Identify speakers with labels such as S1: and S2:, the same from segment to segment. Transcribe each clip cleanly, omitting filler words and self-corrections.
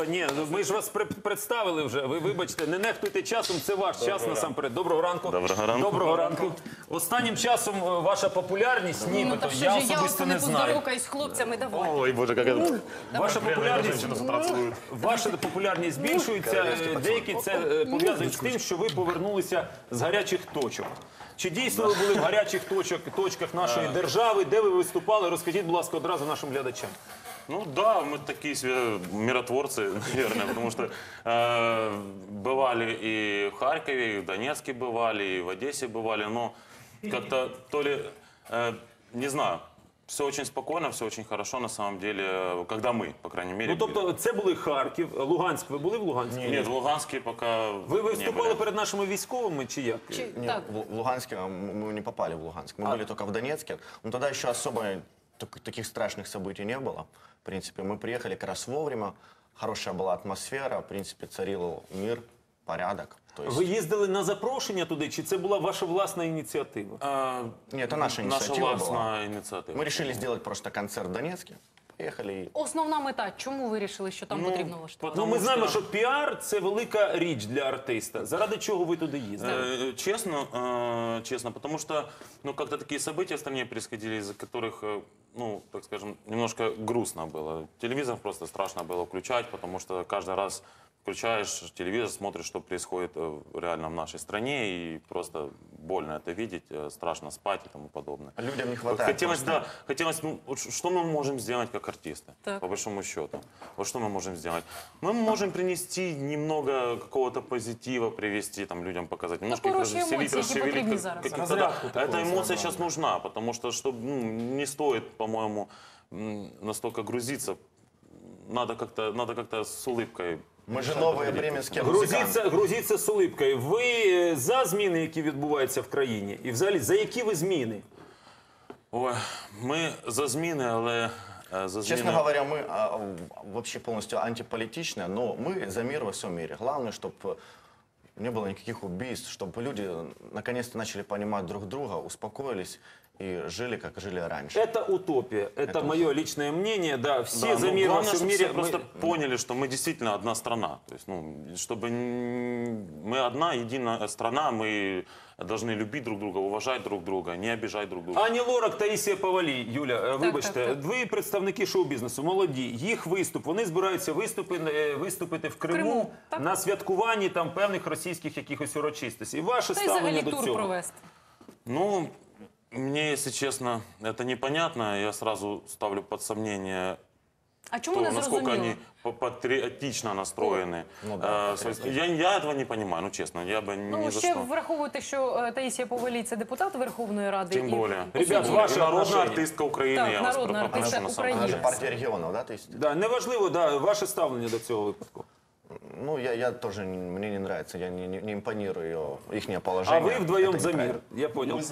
S1: Ні, ми ж вас представили вже. Ви вибачте, не нехтуйте часом, це ваш час насамперед. Доброго ранку.
S2: Доброго ранку.
S1: Доброго ранку. Останнім часом ваша популярність,
S3: Ну,
S1: нібито,
S3: так
S1: я
S3: що ж, я
S1: особисто
S3: оце
S1: не
S3: не
S1: знаю.
S3: поздоровкаюсь з хлопцями, давай.
S2: Ой, боже, как это...
S1: Ваша популярність збільшується. Деякі це пов'язують з тим, що ви повернулися з гарячих точок. Чи дійсно ви були в гарячих точках нашої держави? Де ви виступали? Розкажіть, будь ласка, одразу нашим глядачам.
S2: Ну да, мы такие себе миротворцы, наверное, потому что бывали и в Харькове, и в Донецке бывали, и в Одессе бывали, но как-то то ли, не знаю, все очень спокойно, все очень хорошо на самом деле, когда мы, по крайней мере.
S1: Ну, тобто, це були Харків, Луганськ. Ви були в Луганську?
S2: Нет, в Луганске пока
S1: Ви
S2: не
S1: виступали
S2: были.
S1: перед нашими військовими чи як?
S3: Чи-
S4: Нет,
S3: так.
S4: в Луганске мы не попали в Луганск. Мы были только в Донецке. Но тогда еще особо таких страшных событий не было. В принципе, мы приехали как раз вовремя. Хорошая была атмосфера. В принципе, царил мир, порядок. То есть...
S1: Ви їздили на запрошення туди, чи це була ваша власна ініціатива?
S4: Нет, это наша
S2: Наша
S4: инициатива была.
S2: властная инициатива.
S4: Мы решили сделать просто концерт в Донецке. Поехали и...
S3: Основна мета, чому ви вирішили, що там потрібно влаштувати?
S1: Ну, ми знаємо, що піар – це велика річ для артиста. Заради чого ви туди їздили?
S2: Честно, потому что, ну, как-то такие события в стране происходили, из-за которых, ну, так скажем, немножко грустно было. Телевизор просто страшно было включать, потому что каждый раз включаешь телевизор, смотришь, что происходит реально в нашей стране, и просто больно это видеть, страшно спать и тому подобное.
S4: Людям не хватает
S2: Хотелось,
S4: просто.
S2: да, хотелось, ну, вот что мы можем сделать как артисты,
S3: Так.
S2: по большому счету? Вот что мы можем сделать? Мы можем принести немного какого-то позитива, привести там людям, показать, немножко их
S3: хорошие
S2: развеселить,
S3: эмоции, які
S2: расшевелить.
S3: потрібні зараз.
S2: Каких-то, да. Эта эмоция сейчас нужна, потому что, чтобы, ну, не стоит, по-моему, настолько грузиться. Надо как-то с улыбкой.
S4: Мы же новые бременские музыканты.
S1: Грузіться з улипкою. Ви за зміни, які відбуваються в країні? І взагалі, за які ви зміни?
S2: Ой, мы за зміни, але за
S4: Честно
S2: зміни...
S4: говоря, мы вообще полностью антиполитичные, но мы за мир во всем мире. Главное, чтобы не было никаких убийств, чтобы люди наконец-то начали понимать друг друга, успокоились и жили, как жили раньше.
S1: Это утопия. Это мое личное мнение. Да, все
S2: Да,
S1: за
S2: ну,
S1: мир во
S2: главное,
S1: всем
S2: чтобы
S1: мире.
S2: все просто поняли, что мы действительно одна страна. То есть, ну, чтобы мы одна единая страна, мы должны любить друг друга, уважать друг друга, не обижать друг друга.
S1: Ані Лорак, Таїсія Повалій. Юля, вибачте,
S3: так.
S1: ви представники шоу-бізнесу, молоді. Їх виступ, вони збираються виступити в Криму,
S3: Криму, так.
S1: на святкуванні там певних російських якихось урочистостей. Ваше
S3: Та й
S1: ставлення
S3: взагалі
S1: до
S3: тур
S1: цього?
S3: провести.
S2: Ну, мне, если честно, это непонятно. Я сразу ставлю под сомнение
S3: А чому
S2: то,
S3: не
S2: насколько
S3: зрозуміло?
S2: они патриотично настроены.
S4: Ну да,
S2: Я этого не понимаю, ну честно, я бы
S3: Ну,
S2: ни за
S3: ще
S2: что.
S3: враховуйте, що Таїсія Повалій – це депутат Верховної Ради.
S2: Тем
S3: і,
S2: более.
S3: по
S1: Ребят,
S3: суті,
S1: ваше
S2: Народная
S1: отношение.
S2: артистка Украины,
S3: Так,
S2: я вас
S3: народная
S2: прошу
S3: артистка
S2: на самом
S4: Она же
S3: Украины.
S4: партия регионов, да? То есть,
S1: Да, неважливо, да, ваше ставлення до цього випадку.
S4: ну, я тоже, мне не нравится, я не импонирую их положение.
S1: А вы вдвоем
S4: Это
S1: за мир,
S4: неправильно.
S1: я понял.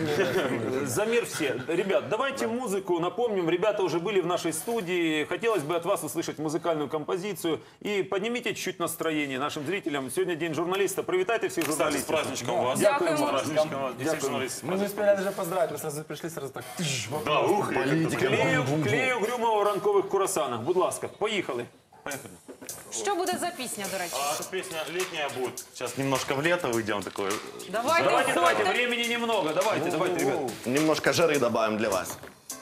S1: За мир все. Ребят, давайте музыку напомним. Ребята уже были в нашей студии. Хотелось бы от вас услышать музыкальную композицию. И поднимите чуть-чуть настроение нашим зрителям. Сегодня день журналиста. Привитайте всех
S2: Кстати, с
S1: журналистов.
S2: праздничком вас.
S3: Дякуємо.
S2: С праздничком вас. И всех журналистов.
S5: Мы не успели даже поздравить, мы сразу пришли, сразу так.
S2: Да, ух,
S1: Клею Грюмова в ранкових курасанах. Будь ласка, поїхали.
S2: поехали.
S3: Що буде за пісня, до речі?
S2: Песня летняя будет. Сейчас немножко в лето выйдем такое.
S3: Давайте,
S1: Давайте,
S3: виходьте.
S1: времени немного. Давайте, ребят.
S4: Немножко жары добавим для вас.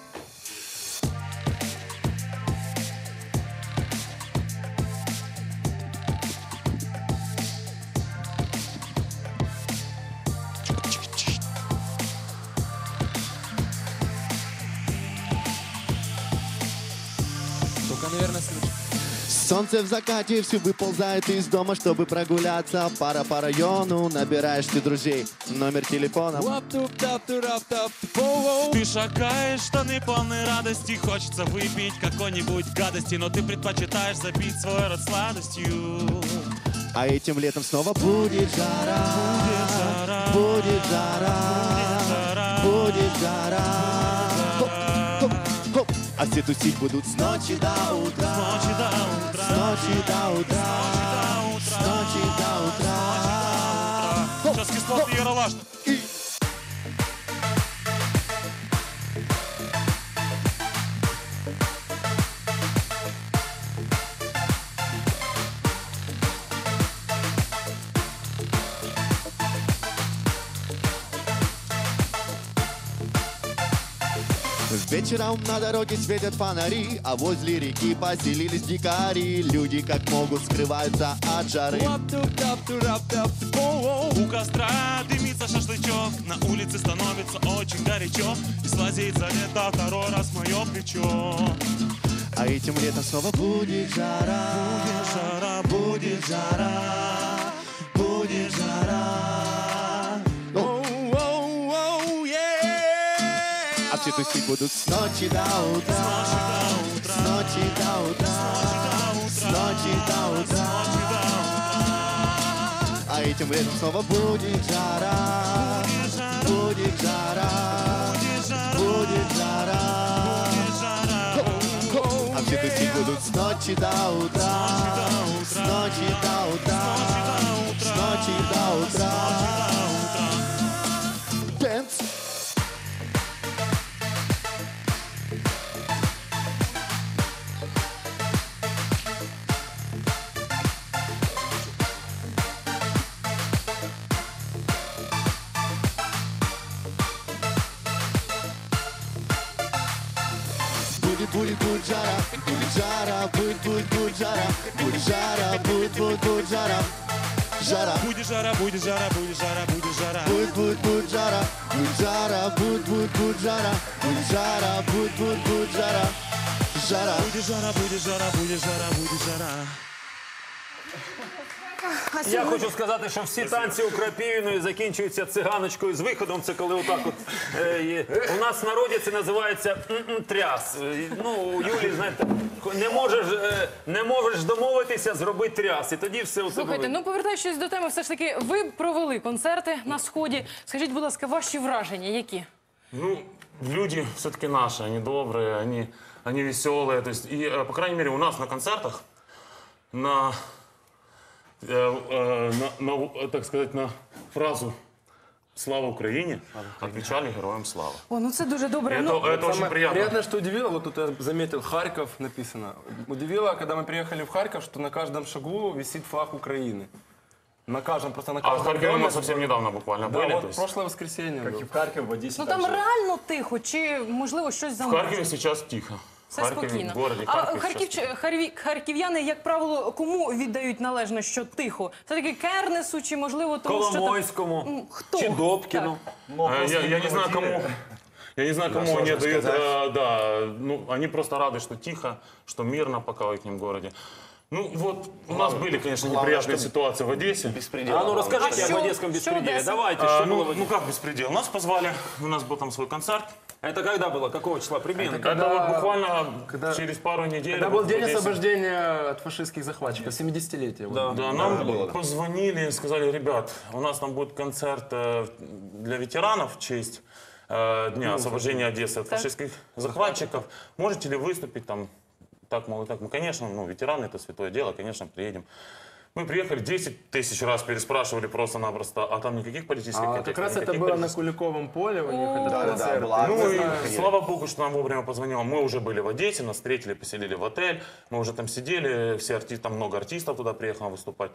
S5: Только, наверное, слышно.
S6: Солнце в закате, все выползает из дома, чтобы прогуляться. Пара по району, набираешь ты друзей, номер телефона.
S7: Ты шагаешь, штаны полны радости. Хочется выпить какой-нибудь гадости, но ты предпочитаешь забить свой рот сладостью.
S6: А этим летом снова будет жара, будет жара, будет жара. Хоп, хоп, хоп. А все тусить будут с ночи до утра,
S7: С ночи до утра,
S6: с ночи до утра, с ночи до утра.
S7: Сейчас кислотный яролаж.
S6: Вечером на дороге светят фонари, а возле реки поселились дикари. Люди как могут скрываются от жары.
S7: У костра дымится шашлычок, на улице становится очень горячо, и слазит за лето второй раз мое плечо.
S6: А этим летом снова будет жара. Будет жара, будет жара, будет жара. А все тусить будут с ночи до утра. С ночи до утра. С ночи до утра. А этим летом снова будет жара. Будет жара. Будет жара. А все тусить будут с ночи до утра. С ночи до утра. С ночи до утра. Dance. Будет жара, будет жара, будет жара, будет жара, будет жара, жара.
S7: Будет жара, будет жара, будет жара, будет жара.
S6: Будет жара, будет жара, будет жара, будет жара, будет жара, жара.
S7: Будет жара, будет жара, будет жара, будет жара.
S1: Я хочу сказати, що всі танці у Крапивіної закінчуються циганочкою з виходом. Це коли отак от у нас в народі це називається тряс. Ну, у Юлі, знаєте, не можеш домовитися, зроби тряс. І тоді все у тебе.
S3: Слухайте, ну повертаючись до теми, все ж таки, ви провели концерти на Сході. Скажіть, будь ласка, ваші враження які?
S2: Ну, люди все-таки наши, они добрые, они веселые. То есть, и, по крайней мере, у нас на концертах так сказать, на фразу «Слава Украине» отвечали «Героям слава».
S3: О, ну це дуже добре.
S2: Это очень приятно.
S5: Приятно, что удивило, вот тут я заметил, Харьков написано. Удивило, когда мы приехали в Харьков, что на каждом шагу висит флаг Украины. На каждом, просто на
S2: А в
S5: каждом
S2: Харькове мы
S5: доме.
S2: совсем недавно буквально
S5: Да,
S2: были.
S5: вот
S2: то есть
S5: прошлое воскресенье.
S8: Как
S5: был.
S8: и в Харькове, в Одессе.
S3: Ну там
S8: также.
S3: реально тихо, чи можливо щось
S2: в Харькове
S3: замовлено?
S2: сейчас тихо.
S3: Все
S2: В Харькове,
S3: спокійно.
S2: в городе
S3: А
S2: Харьков сейчас
S3: харків'яни, як правило, кому віддають належно, що тихо? Все-таки Кернесу чи, можливо, тому що...
S1: Коломойському
S3: Хто?
S1: чи Добкіну.
S2: Я не знаю, кому. Я не знаю, кому они отдают. Да, ну, они просто рады, что тихо, что мирно пока в их городе. Ну вот, у нас были, конечно, неприятные ситуации в Одессе.
S4: Беспредел.
S1: А ну расскажите
S3: А
S1: об одесском
S3: что
S1: беспределе.
S3: Одесса?
S1: Давайте, что было в
S2: Ну как беспредел? Нас позвали, у нас был там свой концерт.
S1: Это когда было? Какого числа? Примерно?
S2: Это вот буквально через пару недель.
S5: Это был
S2: вот в
S5: день
S2: Одессе.
S5: освобождения от фашистских захватчиков, 70-летие. вот.
S2: Да, нам позвонили, сказали: ребят, у нас там будет концерт для ветеранов в честь Дня освобождения Одессы от фашистских захватчиков. Можете ли выступить там? Так, мол, и так. Мы, конечно, ну, ветераны, это святое дело, конечно, приедем. Мы приехали, 10 тысяч раз переспрашивали просто-напросто, а там никаких политических
S5: А
S2: контекстов,
S5: как раз это
S2: никаких
S5: было на
S2: политических.
S5: Куликовом поле у них этот
S4: Да,
S5: концерт.
S4: была
S2: Ну
S4: акция,
S2: и
S4: мы ходили.
S2: слава богу, что нам вовремя позвонило. Мы уже были в Одессе, нас встретили, поселили в отель. Мы уже там сидели, все там много артистов туда приехало выступать.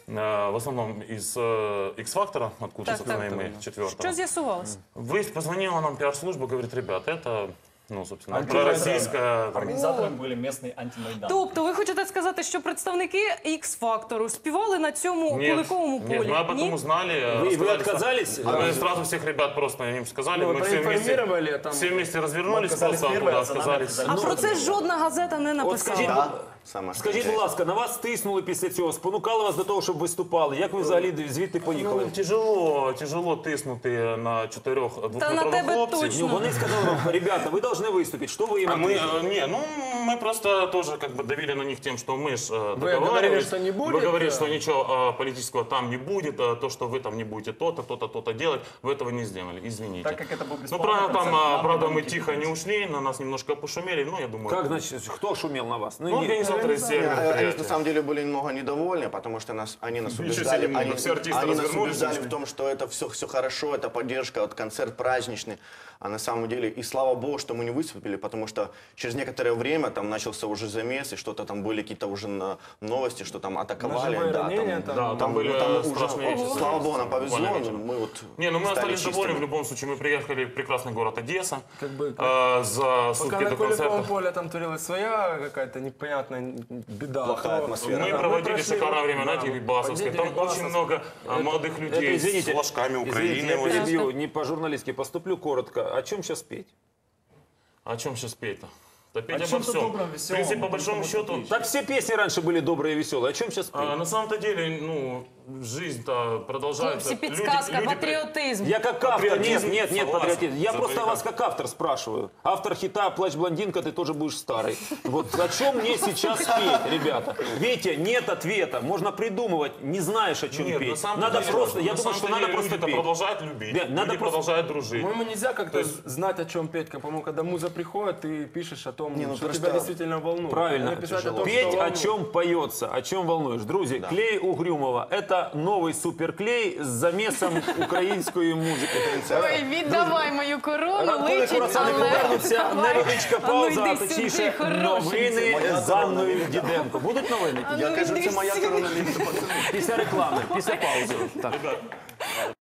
S2: В основном из X-Factor, откуда,
S3: Так,
S2: собственно,
S3: так,
S2: и мы,
S3: Що
S2: четвертого.
S3: з'ясувалося?
S2: Позвонила нам пиар-служба, говорит: ребят, это, ну, собственно,
S8: Антимайдан.
S2: пророссийская... там,
S8: Организатором были местные антимайдан.
S3: Тобто ви хочете сказати, що представники X-фактору співали на цьому Куликовому полі?
S2: Нет, мы об этом
S3: Ні?
S2: узнали.
S1: Вы
S2: рассказали,
S1: отказались?
S2: Мы сразу всех ребят просто им сказали.
S5: Ну,
S2: мы все
S5: проинформировали,
S2: вместе,
S5: а там-
S2: все вместе развернулись,
S8: Мы отказались
S2: просто
S8: первые,
S2: оттуда
S8: а за нами
S2: отказались.
S8: отказались.
S3: А про це жодна газета не
S1: От скажіть,
S3: написала.
S4: Да, саме
S1: скажіть, будь ласка, на вас тиснули після цього, спонукали вас до того, щоб виступали. Як ви взагалі звідти поїхали?
S2: Ну, тяжело тиснути на 4
S3: Та на
S2: двухметровых
S3: тебе
S2: хлопців.
S3: точно.
S1: Ну, вони сказали вам: ребята, ви повинні виступити. Що ви їм
S2: А
S1: ответили?
S2: мы просто тоже как бы давили на них тем, что мы ж
S5: говорили,
S2: договаривались.
S5: что не будет,
S2: Вы говорили,
S5: да.
S2: что ничего политического там не будет, то, что вы там не будете то-то, то-то, то-то делать, вы этого не сделали, извините.
S8: Так как это был
S2: Ну,
S8: бесплатный
S2: правда,
S8: концерт,
S2: там,
S8: нам
S2: правда, мы
S8: никаких
S2: тихо не ушли, на нас немножко пошумели, ну, я думаю...
S1: Как, значит, кто шумел на вас?
S2: Ну, организаторы всех
S4: Они на
S2: мероприятий.
S4: самом деле были немного недовольны, потому что они нас
S2: Ничего
S4: убеждали,
S2: себе, немного. Все артисты
S4: они нас
S2: развернулись,
S4: убеждали
S2: вышли.
S4: в том, что это все хорошо, это поддержка, вот концерт праздничный. А на самом деле, и слава богу, что мы не выступили, потому что через некоторое время там начался уже замес, и что-то там были какие-то уже новости, что там атаковали.
S5: Ножевые
S4: Да,
S5: ранения
S2: Да, там были страшные вещи.
S4: слава богу, нам повезло,
S2: Буквально
S4: но
S2: вечером.
S4: мы вот
S2: Не, ну мы
S4: стали
S2: остались довольны
S4: чистыми.
S2: в любом случае. Мы приехали в прекрасный город Одесса
S5: Как бы,
S2: за сутки
S5: Пока на
S2: до
S5: Куликовом
S2: концерта.
S5: поле там творилась своя какая-то непонятная беда.
S4: Плохая
S5: то-
S4: атмосфера.
S2: Мы
S4: Да,
S2: проводили
S5: прошли,
S2: шикарное время
S5: да,
S2: на Тихой Басовской.
S5: победили
S2: Там очень
S5: Басовскую.
S2: много молодых людей
S1: извините,
S2: с флажками
S1: Извините,
S2: Украины.
S1: я
S2: Вот.
S1: перебью, не по-журналистски поступлю коротко. О чем сейчас петь?
S2: О чем сейчас петь-то? Да петь
S8: О
S2: обо
S8: чем-то
S2: всем.
S8: добром,
S2: В
S8: веселом,
S2: принципе, по большому
S8: никому
S2: счету,
S8: отлично.
S1: Так все песни раньше были добрые и веселые. О чем сейчас петь?
S2: на самом-то деле, ну, жизнь-то продолжается.
S3: Хлопці, підсказка,
S2: Люди-
S3: патріотизм.
S1: Я как автор, нет,
S2: Патриотизм,
S1: нет, нет,
S2: согласен.
S1: патриотизм. Я
S2: За
S1: просто вас
S2: париках.
S1: как автор спрашиваю. Автор хита «Плачь, блондинка», ты тоже будешь старый. Вот о чем мне сейчас петь, ребята? Видите, нет ответа. Можно придумывать, не знаешь, о чем
S2: Нет, на
S1: петь.
S2: самом
S1: Надо
S2: деле,
S1: просто, я
S2: на
S1: думаю,
S2: самом
S1: что
S2: деле
S1: надо просто
S2: люди-то
S1: петь.
S2: продолжают любить,
S1: Да, надо
S2: люди
S1: просто-
S2: продолжают дружить.
S5: По-моему, нельзя как-то знать, о чем петь. По-моему, когда муза приходит, ты пишешь о том,
S4: Не, ну
S5: что
S4: просто-
S5: тебя действительно волнует.
S1: Правильно.
S5: Написать о том,
S1: Петь,
S5: что
S1: о
S5: волнует.
S1: чем поется, о чем волнуешь. Друзі, клей Угрюмова – это новый суперклей с замесом української музики.
S3: Ой, віддавай мою корону,
S1: Ранкові
S3: личить,
S1: курасани
S3: але...
S1: повернуться, невеличка
S3: А ну
S1: пауза, а
S3: йди сюди,
S1: точніше
S3: хороший.
S1: новини з Анною Діденко. Будуть новини?
S3: А ну
S4: Я кажу,
S3: йди
S4: це моя
S3: сюди.
S4: корона, пацани.
S1: Після реклами, після паузи. Так.